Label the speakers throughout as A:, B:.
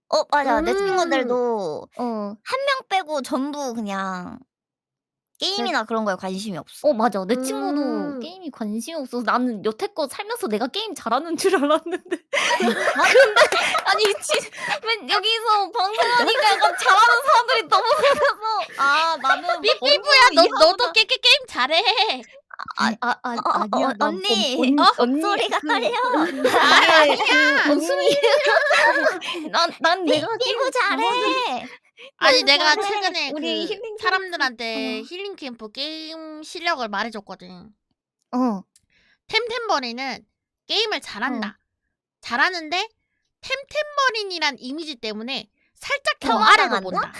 A: 맞아. 내
B: 음.
A: 친구들도
B: 어.
A: 한 명 빼고 전부 그냥
B: 네.
A: 게임이나 그런 거에 관심이 없어.
B: 맞아. 내 친구도
C: 음.
B: 게임이 관심이 없어서 나는 여태껏 살면서 내가 게임 잘하는 줄 알았는데
A: 진짜?
B: 근데 아니 맨 여기서 방송하니까 약간 잘하는 사람들이 너무 많아서 나는
D: 삐삐부야 너도 게임 잘해.
B: 아니야. 난
A: 언니. 목소리가 떨려.
B: 이게 웃음이 난 내가
A: 삐부 잘해.
D: 아니 내가
A: 잘해.
D: 최근에
B: 우리
D: 그
B: 힐링
D: 사람들한테
B: 어.
D: 힐링 캠프 게임 실력을 말해줬거든.
B: 어.
D: 템템버린은 게임을 잘한다. 잘하는데 템템버린이란 이미지 때문에 살짝 더 아래로
A: 폄하당한다?
D: 본다.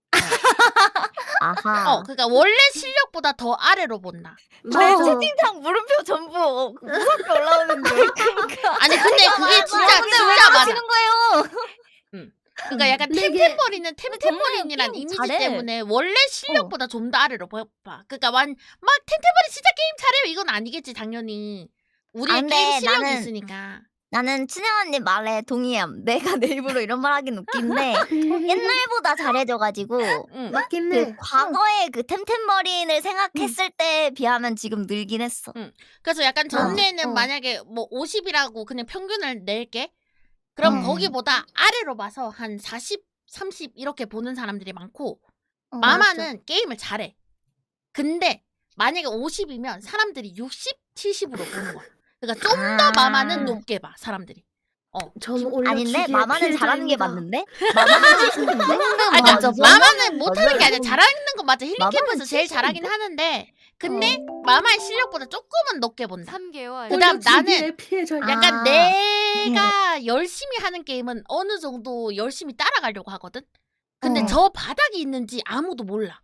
A: 아하.
D: 그러니까 원래 실력보다 더 아래로 본다.
A: 내 채팅창 물음표 전부 무섭게 올라오는데.
D: 아니 근데 그게 진짜
B: 근데 왜
D: 진짜 맞아.
B: 그러시는 거예요?
D: 그러니까 약간
C: 근데 이게-
D: 템템버린은 템템버린이란
B: 게임
D: 이미지
B: 잘해.
D: 때문에 원래 실력보다 좀 더 아래로 봐. 그러니까 막 템템버린 진짜 게임 잘해요 이건 아니겠지 당연히. 우리의
A: 근데
D: 게임 실력이
A: 나는-
D: 있으니까.
A: 나는 춘영 언니 말에 동의함. 내가 내 입으로 이런 말 하긴 웃긴데 옛날보다 잘해져가지고
C: 맞긴 해.
A: 그 과거의 그 템템버린을 생각했을 때에 비하면 지금 늘긴 했어.
D: 그래서 약간 전에는
B: 어.
D: 만약에 뭐 50이라고 그냥 평균을 낼게. 그럼 거기보다 아래로 봐서 한 40, 30 이렇게 보는 사람들이 많고 마마는 게임을 잘해. 근데 만약에 50이면 사람들이 60, 70으로 보는 거야. 그러니까 좀 더 마마는 높게 봐 사람들이.
C: 전 오히려
A: 아닌데
C: 기계의
A: 마마는 잘하는 게
C: 피해자입니다.
A: 맞는데? 마마는 잘하는데?
D: 아니, 그러니까
B: 맞아.
D: 마마는 못하는 게 아니라 잘하는 건 맞아. 힐링
A: 마마는
D: 캠프에서 제일 잘하긴 하는데 근데 마마의 실력보다 조금은 높게 본다.
E: 3개월.
D: 그다음
C: 오히려
D: 나는
C: 기계의 피해자입니다.
D: 약간 내가 열심히 하는 게임은 어느 정도 열심히 따라가려고 하거든? 근데 저 바닥이 있는지 아무도 몰라.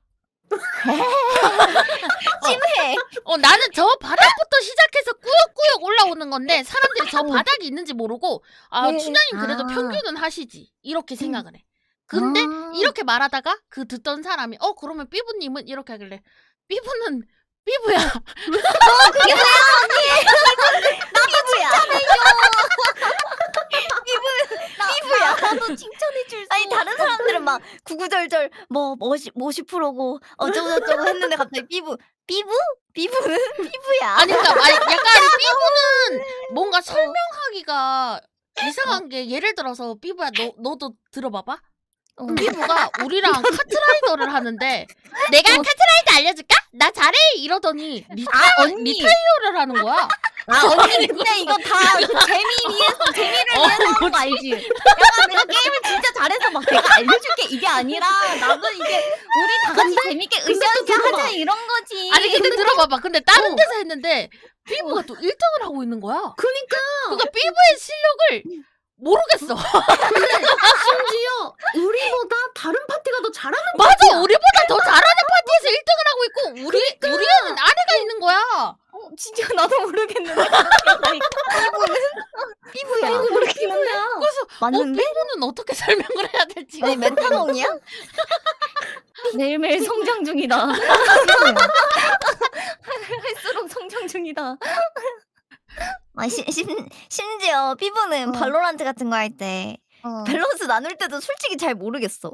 A: 찜해.
D: 나는 저 바닥부터 시작해서 꾸역꾸역 올라오는 건데 사람들이 저 바닥이 있는지 모르고 춘향님 그래도 평균은 하시지 이렇게 생각을 해. 근데 이렇게 말하다가 그 듣던 사람이 그러면 삐부님은 이렇게 하길래 삐부는 삐부야.
A: 피부야. 나도 칭찬해줄 수. 아니 다른 사람들은 막 구구절절 뭐 50%고 어쩌고저쩌고 했는데 갑자기 피부는 피부야.
D: 아니 그러니까 약간 삐부는 뭔가 설명하기가 이상한 게 예를 들어서 삐부야 너도 들어봐봐. 삐부가 우리랑 카트라이더를 하는데 내가 카트라이더 알려줄까? 나 잘해 이러더니 리타이어를 하는 거야.
A: 언니 근데 이거 다 재미를 위해서 하는 거 알지? 약간 내가 게임을 진짜 잘해서 막 내가 알려줄게 이게 아니라 나도 이게 우리 다 같이 재밌게 으쌰으쌰 하자 이런 거지.
D: 아니 근데 들어봐봐. 근데 다른 데서 했는데 삐부가 또 1등을 하고 있는 거야.
C: 그니까
D: 그러니까 삐부의 실력을 모르겠어.
C: 심지어 우리보다 다른 파티가 더 잘하는
D: 맞아. 우리보다 더 잘하는 파티에서 1등을 하고 있고 우리는 아래가 있는 거야.
A: 진짜 나도 모르겠는데. 피부야.
D: 그래서
A: 맞는데?
D: 삐부는 어떻게 설명을 해야 될지.
A: 아니 메타몽이야?
B: 매일매일 성장 중이다. 할수록 성장 중이다.
A: 심지어 피부는 발로란트 같은 거 할 때 밸런스 나눌 때도 솔직히 잘 모르겠어.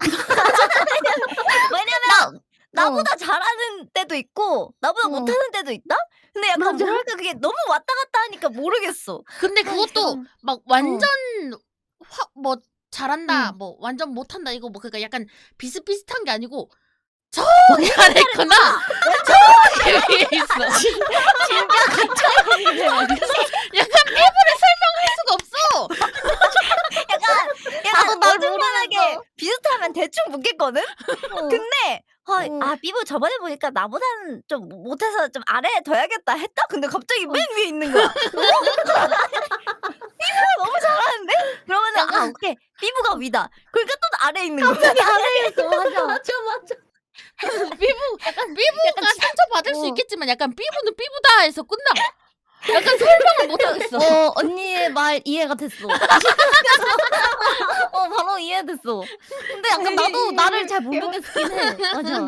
A: 왜냐면 나보다 잘하는 때도 있고 나보다 못하는 때도 있다? 근데 약간
C: 맞아.
A: 뭐랄까 그게 너무 왔다 갔다 하니까 모르겠어.
D: 근데 그것도 막 완전 뭐 잘한다 뭐 완전 못한다 이거 뭐 그러니까 약간 비슷비슷한 게 아니고 저 잘했구나 저 위에 있어. 약간 삐부를 설명할 수가 없어.
A: 약간 어중간하게 비슷하면 대충 묻겠거든? 근데 삐부 저번에 보니까 나보다는 좀 못해서 좀 아래에 둬야겠다 했다? 근데 갑자기 맨 위에 있는 거야. 삐부가 너무 잘하는데? 그러면은 오케이 삐부가 위다. 그러니까 또 아래에 있는 거야.
B: 갑자기 아래에 있어.
C: 맞아.
D: 삐부가 상처 받을 수 있겠지만 약간 삐부는 삐부다 해서 끝나. 약간 설명을 못 하겠어.
B: 언니의 말 이해가 됐어. 바로 이해됐어. 근데 약간 나도 나를 잘 모르겠긴 해. 맞아.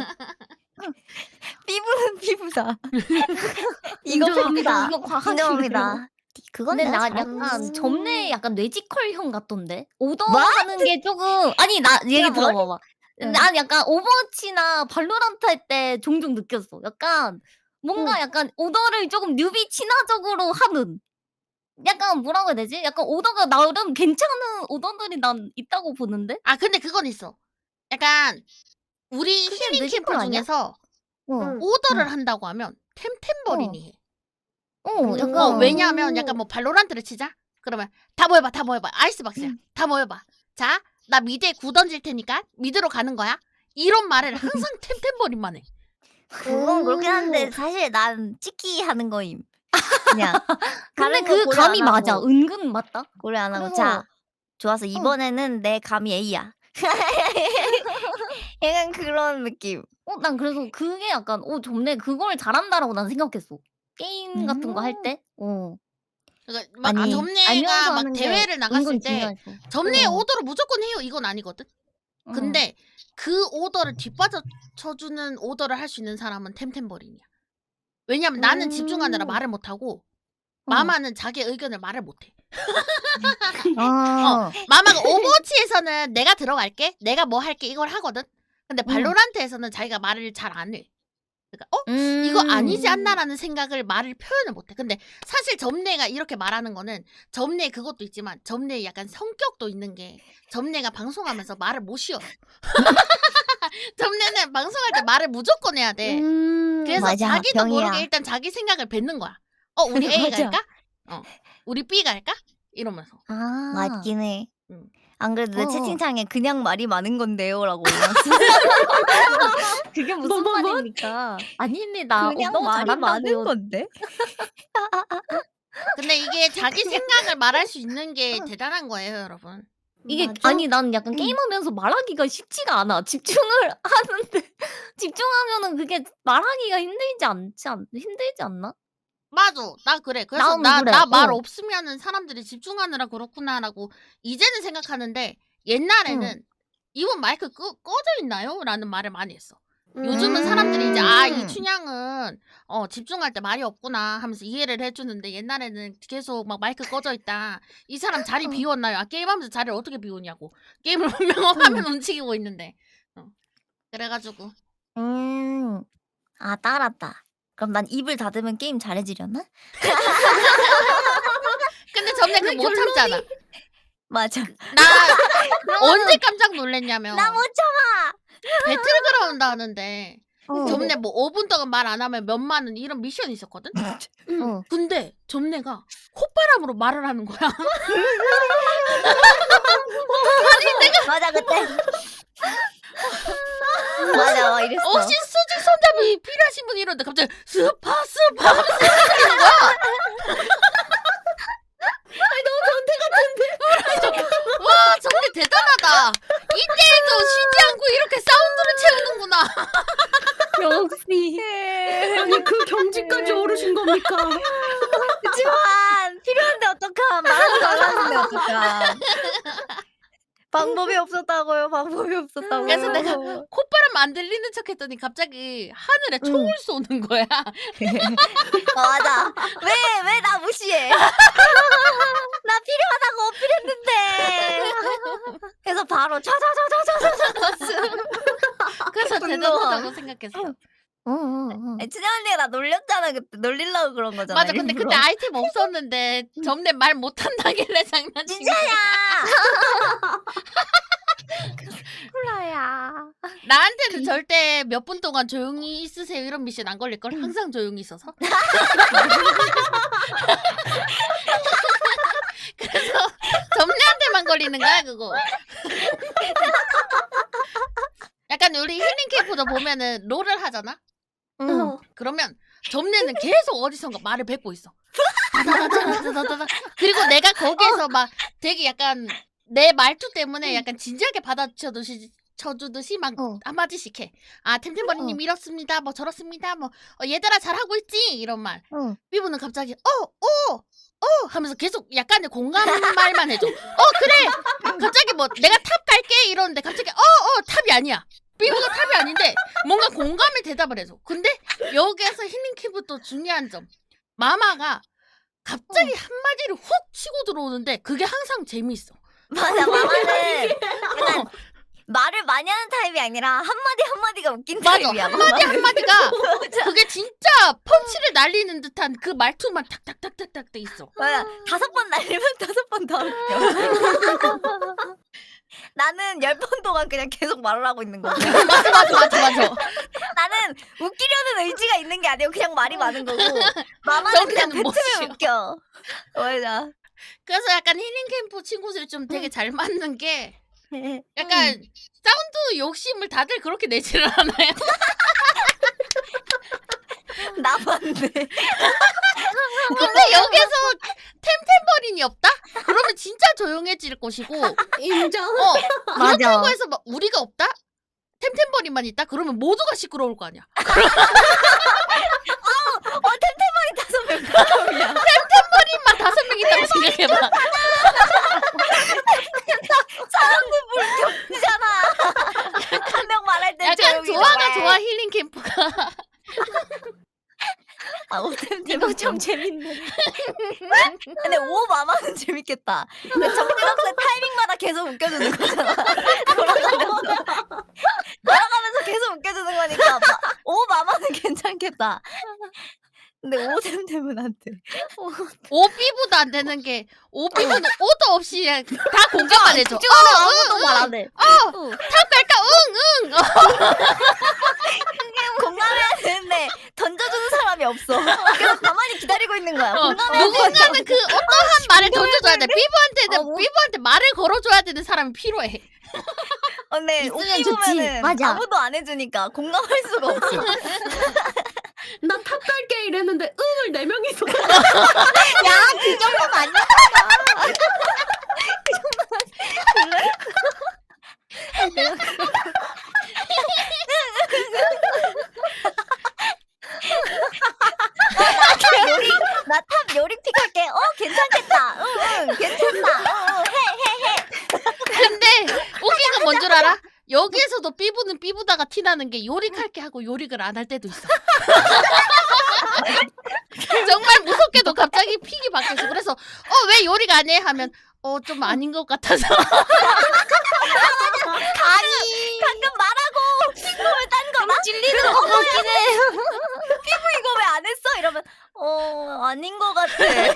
A: 삐부는 삐부다. 이거
C: 인정합니다.
A: 팩트다.
B: 이거 과학이에요.
A: 인정합니다. 파티. 그건
B: 근데
A: 내가
B: 나
A: 잘하고
B: 약간
A: 있어.
B: 점례 약간 뇌지컬형 같던데?
A: 뭐?
B: 오더하는 게 조금 아니 나 얘기
A: 야, 뭘?
B: 들어봐봐.
A: 응.
B: 난 약간 오버워치나 발로란트 할 때 종종 느꼈어. 약간 뭔가 약간 오더를 조금 뉴비 친화적으로 하는 약간 뭐라고 해야 되지? 약간 오더가 나름 괜찮은 오더들이 난 있다고 보는데?
D: 아 근데 그건 있어. 약간 우리
B: 그게
D: 힐링
B: 뇌지컬
D: 캠프
B: 아니야?
D: 중에서
C: 응.
D: 오더를 한다고 하면 템템버린이 해.
B: 약간
D: 왜냐하면 약간 뭐 발로란트를 치자. 그러면 다 모여봐, 다 모여봐. 아이스박스야. 다 모여봐. 자, 나 미드에 구 던질 테니까 미드로 가는 거야. 이런 말을 항상 템템버린만 해.
A: 그건 그렇긴 한데 사실 난 찍기 하는 거임. 그냥.
B: 근데
A: 다른 거
B: 그
A: 고려
B: 감이
A: 안
B: 맞아.
A: 하고,
B: 은근 맞다.
A: 고려 안 하고.
B: 그래서-
A: 자, 좋았어. 이번에는 내 감이 A야. 약간 그런 느낌.
B: 난 그래서 그게 약간 점례 그걸 잘한다라고 난 생각했어. 게임 같은 거 할 때.
D: 그러니까 막
A: 아니,
D: 점례가
B: 알면서
D: 막
B: 하는 게
D: 대회를 나갔을
B: 은근
D: 때
B: 중요했어.
D: 점례 오더를 무조건 해요. 이건 아니거든. 근데 그 오더를 뒷받쳐 쳐주는 오더를 할 수 있는 사람은 템템버린이야. 왜냐면 나는 집중하느라 말을 못하고 마마는 자기 의견을 말을 못해. 마마가 오버워치에서는 내가 들어갈게, 내가 뭐 할게 이걸 하거든. 근데 발로란트에서는 자기가 말을 잘 안 해. 그러니까 이거 아니지 않나라는 생각을 말을 표현을 못해. 근데 사실 점례가 이렇게 말하는 거는 점례 그것도 있지만 점례 약간 성격도 있는 게 점례가 방송하면서 말을 못 쉬어. 점례는 방송할 때 말을 무조건 해야 돼. 그래서
A: 맞아,
D: 자기도
A: 병이야.
D: 모르게 일단 자기 생각을 뱉는 거야. 우리 A
A: 맞아.
D: 갈까? 우리 B 갈까? 이러면서.
A: 맞긴 해.
D: 응.
A: 안 그래도 내
B: 어.
A: 채팅창에 그냥 말이 많은 건데요라고 올렸어.
B: 그게 무슨
C: 뭐?
B: 말입니까? 아닙니다.
A: 그냥
B: 너무
A: 말이 많은
B: 잘한다고요.
A: 건데.
D: 근데 이게 자기 생각을 말할 수 있는 게 대단한 거예요, 여러분.
B: 이게
C: 맞아.
B: 아니 난 약간 게임하면서 말하기가 쉽지가 않아. 집중을 하는데 집중하면은 그게 말하기가 힘들지 않나?
D: 맞아. 나 그래. 그래서
B: 나는 그래.
D: 나 말 없으면은 사람들이 집중하느라 그렇구나라고 이제는 생각하는데 옛날에는 이분 마이크 꺼져 있나요? 라는 말을 많이 했어. 요즘은 사람들이 이제 이춘향은 집중할 때 말이 없구나 하면서 이해를 해주는데 옛날에는 계속 막 마이크 꺼져 있다. 이 사람 자리 비웠나요? 게임하면서 자리를 어떻게 비우냐고. 게임을 분명 화면 움직이고 있는데. 그래가지고
A: 따랐다. 그럼 난 입을 닫으면 게임 잘해지려나?
D: 근데 점례 그거 못 참잖아.
A: 맞아.
D: 나 언제 깜짝 놀랐냐면
A: 나 못 참아.
D: 배틀그라운드 하는데
A: 어.
D: 점례 뭐 5분 동안 말 안 하면 몇만 원 이런 미션이 있었거든? 근데 점례가 콧바람으로 말을 하는 거야.
A: 맞아 그때. 맞아 막 이랬어.
D: 혹시 수직 손잡이 필요하신 분 이러는데 갑자기 스파 하면서 하는 거야. 와 정말 대단하다. 이때에도 쉬지 않고 이렇게 사운드를 채우는구나.
B: 역시.
C: 아니 그 경지까지 오르신 겁니까?
A: 그치만 필요한데 어떡함. 말하지 말라는데 어떡함. 방법이 없었다고요. 방법이 없었다고요.
D: 그래서 내가 콧바람 안 들리는 척했더니 갑자기 하늘에 총을 쏘는 거야.
A: 맞아. 왜 나 무시해? 나 필요하다고 어필했는데. 그래서 바로 차차차차차차차.
D: 그래서 대단하다고 생각했어.
A: 춘향 언니가 나 놀렸잖아 그때. 놀리려고 그런 거잖아.
D: 맞아. 근데
A: 일부러.
D: 그때 아이템 없었는데 점례 말 못한다길래 장난친 거야.
A: 진짜야. 콜라야.
D: 나한테는 절대 몇 분 동안 조용히 있으세요 이런 미션 안 걸릴걸? 항상 조용히 있어서. 그래서 점례한테만 걸리는 거야 그거. 약간 우리 힐링 캠프도 보면은 롤을 하잖아? 그러면 점례는 계속 어디선가 말을 뱉고 있어. 다다다다다다다. 그리고 내가 거기에서 막 되게 약간 내 말투 때문에 약간 진지하게 받아쳐주듯이 막 한마디씩 해. 템템버리님 이렇습니다. 뭐 저렇습니다. 뭐 얘들아 잘하고 있지? 이런 말. 삐부는 갑자기 하면서 계속 약간의 공감 말만 해줘. 그래. 갑자기 뭐 내가 탑 갈게 이러는데 갑자기 탑이 아니야. 삐부가 탑이 아닌데 뭔가 공감의 대답을 해줘. 근데 여기에서 힐링 큐브 또 중요한 점. 마마가 갑자기 한마디를 훅 치고 들어오는데 그게 항상 재미있어.
A: 맞아 마마는 약간 말을 많이 하는 타입이 아니라 한마디 한마디가 웃긴
D: 맞아.
A: 타입이야.
D: 한마디 한마디가
A: 맞아.
D: 그게 진짜 펀치를 날리는 듯한 그 말투만 탁탁탁탁탁 돼 있어.
A: 맞아. 5번 날리면 5번 더 웃겨. 나는 10번 동안 그냥 계속 말을 하고 있는 거고.
D: 맞아.
A: 나는 웃기려는 의지가 있는 게 아니고 그냥 말이 많은 거고. 마마는 그냥
D: 정체는
A: 뱉으면
D: 못이야.
A: 웃겨. 맞아.
D: 그래서 약간 힐링 캠프 친구들이 좀 되게 잘 맞는 게 약간
A: 음.
D: 사운드 욕심을 다들 그렇게 내지를 않아요.
A: 나만데.
D: 근데 여기서 템템버린이 없다? 그러면 진짜 조용해질 것이고
C: 인정.
B: 맞아.
D: 그렇다고 해서 막 우리가 없다? 템템버린만 있다? 그러면 모두가 시끄러울 거 아니야.
A: 템템머리 5명.
D: 템템버린만 5명 있다고 생각해봐.
A: 잖아. 한 명 말할 때
D: 약간
A: 조용히
D: 조화가
A: 말해.
D: 좋아 힐링 캠프가.
A: 아, 템템
B: 이거 좀 재밌네.
A: 근데 오 마마는 재밌겠다. 근데 정신없이 타이밍마다 계속 웃겨주는 거잖아. 돌아가면서 계속 웃겨주는 거니까 오 마마는 괜찮겠다. 근데 오 템템은 안 돼.
D: 오삐부도 안 되는 게 오삐부는 오도 없이 그냥 다 공감만 해줘.
B: 아무도 말 안 해.
D: 탑 갈까? 응.
A: 공감해야 되는데 던져주는 사람이 없어. 그래서 가만히 기다리고 있는 거야. 공감해야
D: 누군가는 그 어떠한 말을 던져줘야 돼. 삐부한테는
B: 뭐?
D: 삐부한테 말을 걸어줘야 되는 사람이 필요해.
A: 근데
B: 있으면
A: 오피
B: 좋지.
A: 보면은
B: 맞아.
A: 아무도 안 해주니까 공감할 수가 없어.
C: 나 탑 갈게 이랬는데 응을 4명이서.
B: 야, 그 정도는 아니야.
A: 나탑 요리 픽할게. 괜찮겠다. 응, 괜찮다.
D: 근데 웃긴 건 뭔 줄 알아? 여기에서도 삐부는 삐부다가 티나는 게 요릭할게 하고 요릭을 안 할 때도 있어. 정말 무섭게도 갑자기 픽이 바뀌었어. 그래서 왜 요리가 안 해? 하면 좀 아닌 것 같아서.
A: 아니 방금 말하고 픽보면 딴 거나?
B: 찔리는 거 같긴 해.
A: 이거 왜 안 했어? 이러면 아닌 거 같아.